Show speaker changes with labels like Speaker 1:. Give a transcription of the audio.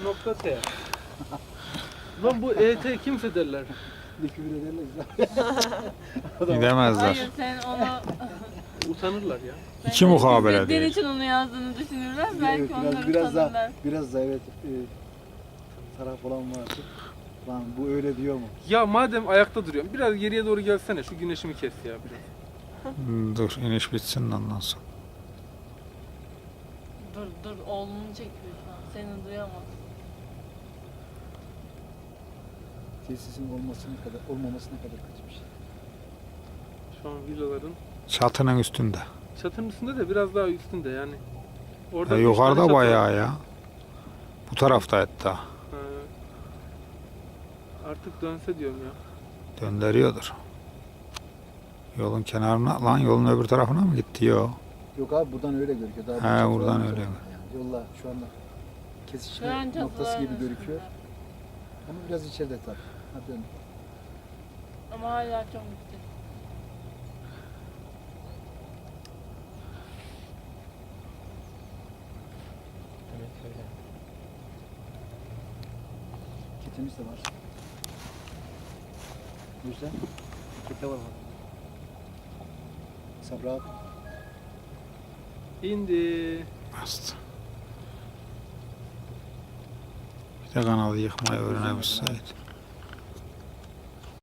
Speaker 1: nokta T. Lan bu ET kimse derler.
Speaker 2: Küfür ederler.
Speaker 3: Gidemezler.
Speaker 4: Hayır sen onu
Speaker 1: Utanırlar ya.
Speaker 3: İki mukabele
Speaker 4: İzzetleri
Speaker 3: değil.
Speaker 4: için onu yazdığını düşünürler. Belki
Speaker 2: Evet,
Speaker 4: onları
Speaker 2: biraz
Speaker 4: tanırlar.
Speaker 2: daha evet taraf olan vardı. Lan bu öyle diyor mu?
Speaker 1: Ya madem ayakta duruyorum biraz geriye doğru gelsene şu güneşimi kes ya biraz.
Speaker 3: Dur iniş bitsin de ondan sonra.
Speaker 4: Dur oğlunu çekiyor şu an. Seni duyamaz.
Speaker 2: Tesisin olmamasına kadar kaçmış.
Speaker 1: Şu an villaların
Speaker 3: Çatının üstünde.
Speaker 1: çatının üstünde de biraz daha üstünde yani. Orada
Speaker 3: Ya
Speaker 1: üç tane
Speaker 3: yukarıda
Speaker 1: çatı var.
Speaker 3: bayağı ya. Bu tarafta hatta.
Speaker 1: Ha. Artık dönse diyorum ya.
Speaker 3: Döndürüyordur. Yolun kenarına lan yolun öbür tarafına mı gitti? Yok.
Speaker 2: Yok abi buradan öyle gözüküyor. Daha
Speaker 3: He,
Speaker 2: bir çatı
Speaker 3: buradan
Speaker 2: var
Speaker 3: öyle
Speaker 2: yani.
Speaker 3: mi?
Speaker 2: Yolla şu anda
Speaker 4: Şu
Speaker 2: kesişme
Speaker 4: an
Speaker 2: noktası
Speaker 4: çatıların
Speaker 2: gibi gözüküyor.
Speaker 4: üstünde.
Speaker 2: Ama biraz içeride tabii. Hadi dön.
Speaker 4: Ama hala çok yüksek.
Speaker 2: Ketimiz de var. O yüzden kete var. Sabra abi.
Speaker 1: İndi.
Speaker 3: Bastı. Bir de kanalı yıkmayı öğrenebilseydi.